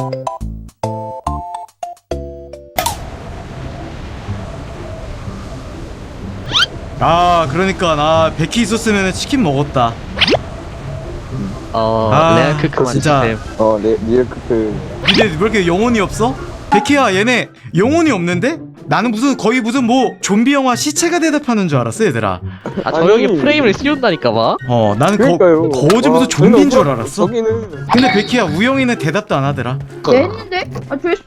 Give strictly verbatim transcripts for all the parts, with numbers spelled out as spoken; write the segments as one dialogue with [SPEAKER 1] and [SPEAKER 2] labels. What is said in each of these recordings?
[SPEAKER 1] 아 그러니까 나 백희 있었으면 치킨 먹었다.
[SPEAKER 2] 어
[SPEAKER 1] 아,
[SPEAKER 2] 레알 크크만
[SPEAKER 1] 진짜.
[SPEAKER 2] 주세요.
[SPEAKER 3] 어, 네, 리얼 크크.
[SPEAKER 1] 근데 왜 이렇게 영혼이 없어? 백희야 얘네 영혼이 없는데? 나는 무슨 거의 무슨 뭐 좀비 영화 시체가 대답하는 줄 알았어 얘들아.
[SPEAKER 2] 아 저
[SPEAKER 3] 아니.
[SPEAKER 2] 형이 프레임을 씌운다니까 봐.
[SPEAKER 1] 어 나는 거,
[SPEAKER 3] 그러니까요.
[SPEAKER 1] 거지 무슨
[SPEAKER 3] 아,
[SPEAKER 1] 좀비인 줄
[SPEAKER 3] 저는
[SPEAKER 1] 알았어.
[SPEAKER 3] 저기는
[SPEAKER 1] 근데 백희야 우영이는 대답도 안 하더라.
[SPEAKER 4] 네 했는데? 아 됐어.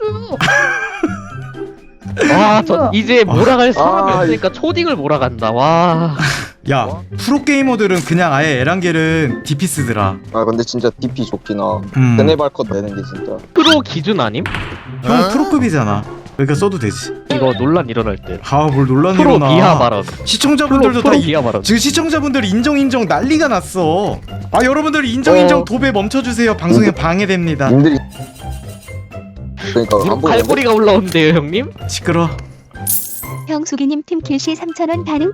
[SPEAKER 2] 와저 이제 몰아갈 사람이
[SPEAKER 3] 아,
[SPEAKER 2] 없으니까 초딩을 몰아간다. 와.
[SPEAKER 1] 야 프로게이머들은 그냥 아예 에란겔은 디피 쓰더라.
[SPEAKER 3] 아 근데 진짜 디피 좋긴 하.
[SPEAKER 1] 음.
[SPEAKER 3] 세네발컷 내는 게 진짜.
[SPEAKER 2] 프로 기준 아님?
[SPEAKER 1] 형 프로급이잖아. 그러니까 써도 되지.
[SPEAKER 2] 이거 논란 일어날 때.
[SPEAKER 1] 아 뭘 논란이
[SPEAKER 2] 프로
[SPEAKER 1] 일어나.
[SPEAKER 2] 비하 발언.
[SPEAKER 1] 시청자분들도
[SPEAKER 2] 프로
[SPEAKER 1] 다 이,
[SPEAKER 2] 비하 발언.
[SPEAKER 1] 지금 시청자분들 인정 인정 난리가 났어. 아 여러분들 인정 인정
[SPEAKER 3] 어.
[SPEAKER 1] 도배 멈춰주세요. 방송에 방해됩니다.
[SPEAKER 3] 님들이 그러니까 안 보는데.
[SPEAKER 2] 갈고리가 올라오는데요 형님?
[SPEAKER 1] 시끄러.
[SPEAKER 5] 형수기님 팀킬시 삼천 원 바로.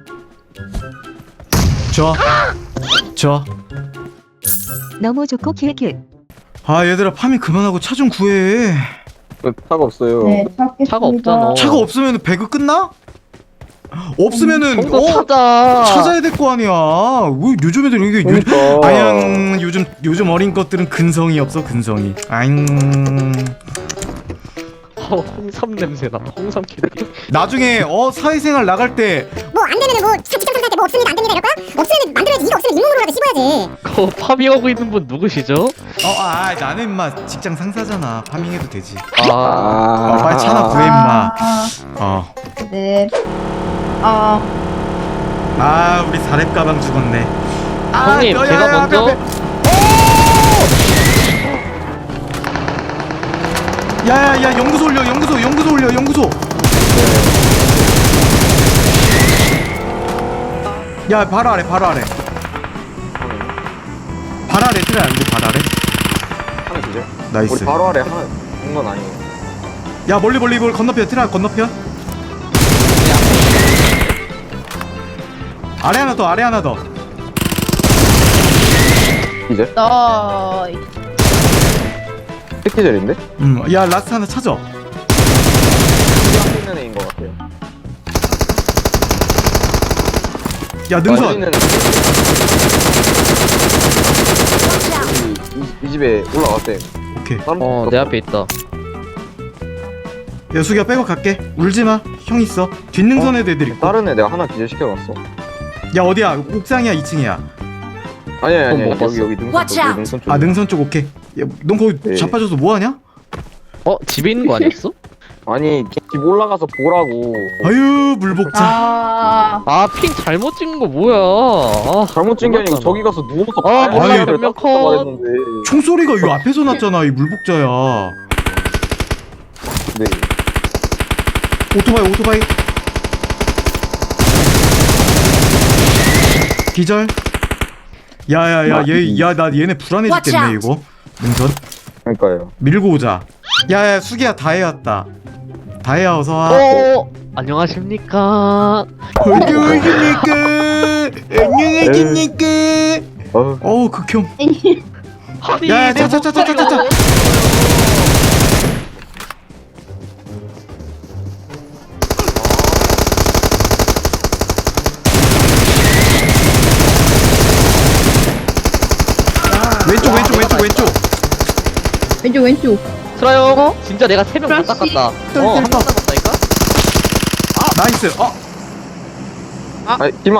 [SPEAKER 1] 줘. 줘.
[SPEAKER 5] 너무 좋고 킬킬.
[SPEAKER 1] 아 얘들아 파밍 그만하고 차 좀 구해.
[SPEAKER 3] 왜 차가 없어요.
[SPEAKER 4] 네 찾겠습니다.
[SPEAKER 2] 차가 없잖아.
[SPEAKER 1] 차가 없으면 배그 끝나? 없으면은
[SPEAKER 2] 정도
[SPEAKER 1] 어?
[SPEAKER 2] 찾아.
[SPEAKER 1] 찾아야 될 거 아니야. 왜 요즘 애들 이게 요,
[SPEAKER 3] 그러니까.
[SPEAKER 1] 아양 요즘 요즘 어린 것들은 근성이 없어 근성이. 아잉.
[SPEAKER 2] 어, 홍삼 냄새나. 홍삼 캐릭터.
[SPEAKER 1] 나중에 어 사회생활 나갈 때
[SPEAKER 6] 뭐 안 되면은 뭐 직장 상사할 때 뭐 없습니다 안 됩니다 이럴 거야? 없으면 만들어야지. 이거 없으면 인공으로라도 씹어야지.
[SPEAKER 2] 그 파밍하고 있는 분 누구시죠?
[SPEAKER 1] 어, 아, 나는 임마 직장 상사잖아. 파밍해도 되지.
[SPEAKER 2] 아,
[SPEAKER 1] 어, 빨리 차나 구해 임마.
[SPEAKER 4] 아,
[SPEAKER 1] 어.
[SPEAKER 4] 네. 아
[SPEAKER 1] 아, 우리 사렙 가방 죽었네. 아,
[SPEAKER 2] 형님
[SPEAKER 1] 야, 야,
[SPEAKER 2] 제가
[SPEAKER 1] 야,
[SPEAKER 2] 먼저
[SPEAKER 1] 앞에, 앞에. 야, 야, 야, 연구소 올려, 연구소, 연구소 올려, 연구소. 야, 바로 아래, 바로 아래. 바로 아래 틀어야 안 돼, 바로 아래.
[SPEAKER 3] 하나 주죠.
[SPEAKER 1] 나이스.
[SPEAKER 3] 우리 바로 아래 하나 있는 건 아니에요.
[SPEAKER 1] 야, 멀리 멀리 이걸 건너편, 틀어 건너편. 아래 하나 더, 아래 하나 더.
[SPEAKER 3] 이제
[SPEAKER 4] 나
[SPEAKER 3] 패키절인데?
[SPEAKER 1] 음, 야, 라스트 하나 찾아.
[SPEAKER 3] 앞에 있는 애인 것 같아요.
[SPEAKER 1] 야,
[SPEAKER 3] 아,
[SPEAKER 1] 능선.
[SPEAKER 3] 있는 애. 이, 이, 이 집에 올라갔대.
[SPEAKER 1] 오케이.
[SPEAKER 2] 어 내 앞에 있다.
[SPEAKER 1] 야, 수기야 빼고 갈게. 울지 마. 형 있어. 뒷능선에도 애들 있고.
[SPEAKER 3] 다른 애 내가 하나 기절시켜놨어.
[SPEAKER 1] 야, 어디야? 옥상이야, 이 층이야?
[SPEAKER 3] 아니 아니 아니
[SPEAKER 2] 어, 뭐
[SPEAKER 3] 여기 여기 능선 쪽 여기 능선 쪽.
[SPEAKER 1] 아, 능선 쪽 오케이. 야, 넌 거기
[SPEAKER 3] 네.
[SPEAKER 1] 자빠져서 뭐 하냐?
[SPEAKER 2] 어 집에 있는 거 아니었어?
[SPEAKER 3] 아니 집 올라가서 보라고.
[SPEAKER 1] 아유, 물복자.
[SPEAKER 4] 아,
[SPEAKER 2] 아 핑 잘못 찍은 거 뭐야? 아,
[SPEAKER 3] 잘못 찍은 게 아니고
[SPEAKER 2] 몰랐잖아.
[SPEAKER 3] 저기 가서 누워서
[SPEAKER 2] 아,
[SPEAKER 3] 봐야
[SPEAKER 1] 몰라.
[SPEAKER 3] 될
[SPEAKER 2] 몇명
[SPEAKER 3] 것
[SPEAKER 2] 컷.
[SPEAKER 3] 말했는데.
[SPEAKER 1] 총소리가 이 앞에서 났잖아. 이 물복자야.
[SPEAKER 3] 네.
[SPEAKER 1] 오토바이, 오토바이. 기절. 야야야, 얘, 야, 나 얘네 불안해 죽겠네 이거. 능선.
[SPEAKER 3] 그러니까요.
[SPEAKER 1] 밀고 오자. 야야, 수기야 다해 왔다. 다해야 어서 와.
[SPEAKER 2] 어 안녕하십니까?
[SPEAKER 1] 안녕하십니까. 안녕하십니까.
[SPEAKER 3] 어.
[SPEAKER 1] 어우, 극혐.
[SPEAKER 2] 아니
[SPEAKER 1] 야, 야,
[SPEAKER 2] 내
[SPEAKER 1] 차, 차, 차, 차, 차, 차.
[SPEAKER 2] 목소리가
[SPEAKER 1] 왼쪽, 왼쪽, 왼쪽, 왼쪽.
[SPEAKER 4] 왼쪽 왼쪽.
[SPEAKER 2] 트라이 형
[SPEAKER 4] 어?
[SPEAKER 2] 진짜 내가 세 명 다
[SPEAKER 4] 프랑시.
[SPEAKER 2] 닦았다. 어한 명 남았다니까?
[SPEAKER 1] 나이스. 어,
[SPEAKER 3] 아 길막.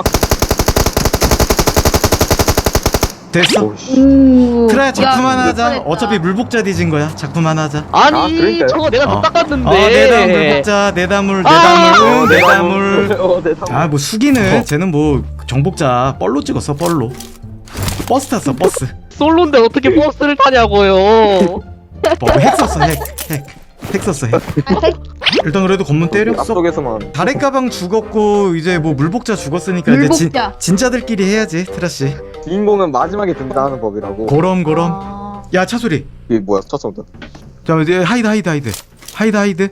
[SPEAKER 1] 됐어.
[SPEAKER 3] 오씨.
[SPEAKER 4] 오.
[SPEAKER 1] 트라야 작품
[SPEAKER 4] 야,
[SPEAKER 1] 하나 하자.
[SPEAKER 4] 잘했다.
[SPEAKER 1] 어차피 물복자 뒤진 거야. 작품 하나 하자.
[SPEAKER 2] 아니
[SPEAKER 3] 아, 그러니까요.
[SPEAKER 2] 저거 내가
[SPEAKER 1] 어.
[SPEAKER 2] 다 닦았는데.
[SPEAKER 1] 어, 내담 물복자, 내담물,
[SPEAKER 2] 아!
[SPEAKER 1] 내담물,
[SPEAKER 3] 어,
[SPEAKER 1] 내담물.
[SPEAKER 3] 어, 내 담.
[SPEAKER 1] 아, 뭐 수기는 쟤는 뭐 정복자 뻘로 찍었어, 뻘로. 버스 탔어, 버스.
[SPEAKER 2] 솔로인데 어떻게 버스를 타냐고요?
[SPEAKER 1] 뭐핵 썼어, 핵, 핵. 핵 썼어, 핵. 일단 그래도 검문 때렸어.
[SPEAKER 3] 앞쪽에서만.
[SPEAKER 1] 다래 가방 죽었고 이제 뭐 물복자 죽었으니까 이제 진,
[SPEAKER 4] 물복자.
[SPEAKER 1] 진짜들끼리 해야지, 트라 씨.
[SPEAKER 3] 주인공은 마지막에 등장하는 법이라고.
[SPEAKER 1] 고럼 고럼.
[SPEAKER 4] 아,
[SPEAKER 1] 야, 차 소리.
[SPEAKER 3] 이게 뭐야? 쳤습니다.
[SPEAKER 1] 자, 이제 하이드 하이드 하이드. 하이드 하이드.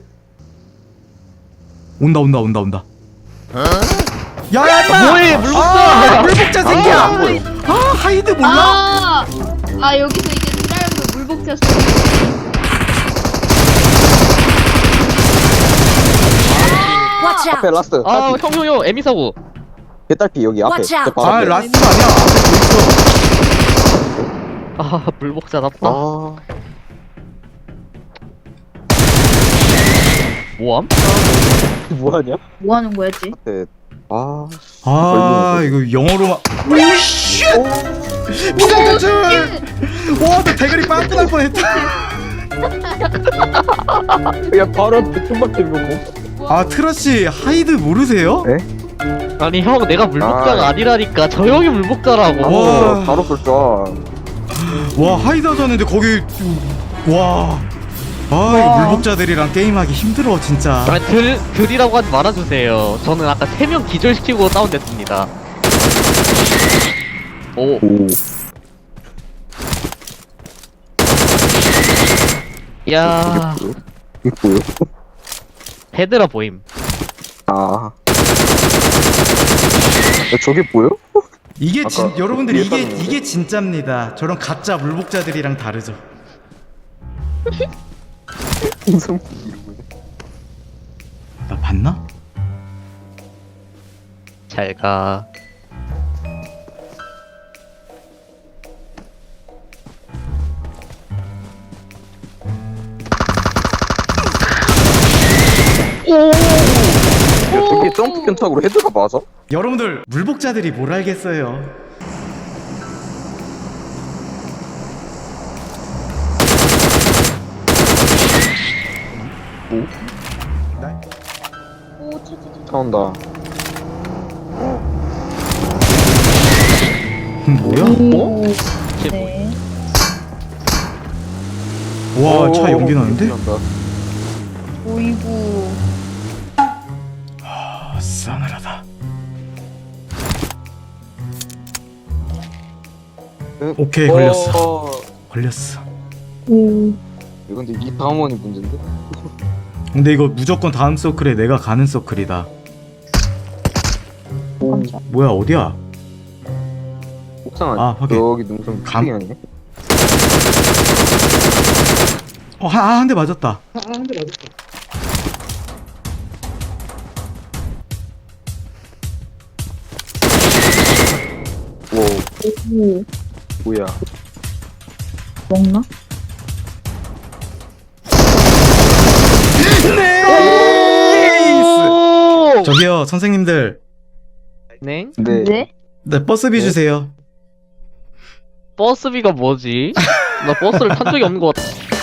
[SPEAKER 1] 온다 온다 온다 온다. 야, 야, 임마!
[SPEAKER 2] 뭐해, 물복자!
[SPEAKER 1] 아, 물복자 새끼야.
[SPEAKER 3] 아, 안 보여.
[SPEAKER 1] 아, 하이드 몰라?
[SPEAKER 4] 아, 아 여기서 이제 드라이브 물복자 쏘.
[SPEAKER 6] Watch
[SPEAKER 3] 앞에
[SPEAKER 6] out!
[SPEAKER 3] 라스트.
[SPEAKER 2] 아,
[SPEAKER 3] 딸피.
[SPEAKER 2] 형, 형, 형, 에미사고.
[SPEAKER 3] 개딸피 여기 앞에.
[SPEAKER 6] Watch out.
[SPEAKER 3] 제 바로
[SPEAKER 1] 아
[SPEAKER 3] 앞에.
[SPEAKER 1] 라스트가 아니야. 앞에
[SPEAKER 2] 아, 물복자답다.
[SPEAKER 3] 아.
[SPEAKER 2] 뭐함?
[SPEAKER 3] 뭐하냐?
[SPEAKER 4] 뭐 하는 거야, 지?
[SPEAKER 3] 네. 아.
[SPEAKER 1] 또 있어. 아 이거 영어로만. 오쉣. 부장대출. 와나 대가리 빵꾸 날 뻔했다.
[SPEAKER 3] 야 바로 앞에 총밖에 못.
[SPEAKER 1] 아 트러시 하이드 모르세요?
[SPEAKER 3] 네?
[SPEAKER 2] 아니, 형, 내가 물복자가
[SPEAKER 3] 아.
[SPEAKER 2] 아니라니까. 저 형이 물복자라고.
[SPEAKER 1] 와.
[SPEAKER 3] 바로 쏠 줄.
[SPEAKER 1] 와 하이드 하자는데 거기 와. 아 이거 물복자들이랑 게임하기 힘들어 진짜.
[SPEAKER 2] 아, 들, 들이라고 하지 말아주세요. 저는 아까 세 명 기절시키고 다운됐습니다. 오,
[SPEAKER 3] 오.
[SPEAKER 2] 야,
[SPEAKER 3] 이게 뭐요?
[SPEAKER 2] 헤드라 보임.
[SPEAKER 3] 아. 야, 저게 뭐요?
[SPEAKER 1] 이게 진
[SPEAKER 3] 아까
[SPEAKER 1] 여러분들 이게
[SPEAKER 3] 예상했는데.
[SPEAKER 1] 이게 진짜입니다. 저런 가짜 물복자들이랑 다르죠.
[SPEAKER 3] 무슨
[SPEAKER 1] 나 봤나?
[SPEAKER 2] 잘 가.
[SPEAKER 3] 야, 저게 점프 견착으로 헤드가 맞아?
[SPEAKER 1] 여러분들 물복자들이 뭘 알겠어요.
[SPEAKER 3] 차온다.
[SPEAKER 1] 음, 뭐야?
[SPEAKER 4] 오.
[SPEAKER 2] 이게
[SPEAKER 4] 네.
[SPEAKER 1] 와 차 연기 나는데?
[SPEAKER 3] 난다.
[SPEAKER 4] 오이구.
[SPEAKER 1] 아 싸늘하다. 오케이 걸렸어.
[SPEAKER 3] 어,
[SPEAKER 1] 걸렸어.
[SPEAKER 4] 오.
[SPEAKER 3] 이건 근데 이 다음 원이 문제인데?
[SPEAKER 1] 근데 이거 무조건 다음 서클에 내가 가는 서클이다.
[SPEAKER 4] 깜짝.
[SPEAKER 1] 뭐야 어디야?
[SPEAKER 3] 옥상 아니?
[SPEAKER 1] 아, 확인.
[SPEAKER 3] 여기 능선
[SPEAKER 1] 감-
[SPEAKER 3] 감... 아니네?
[SPEAKER 1] 어한 대 맞았다.
[SPEAKER 3] 오,
[SPEAKER 4] 오.
[SPEAKER 3] 뭐야?
[SPEAKER 4] 먹나?
[SPEAKER 1] 네이스. 저기요 선생님들,
[SPEAKER 2] 네?
[SPEAKER 3] 근데
[SPEAKER 4] 네?
[SPEAKER 1] 네 버스비 주세요.
[SPEAKER 2] 버스비가 뭐지? 나 버스를 탄 적이 없는 것 같아.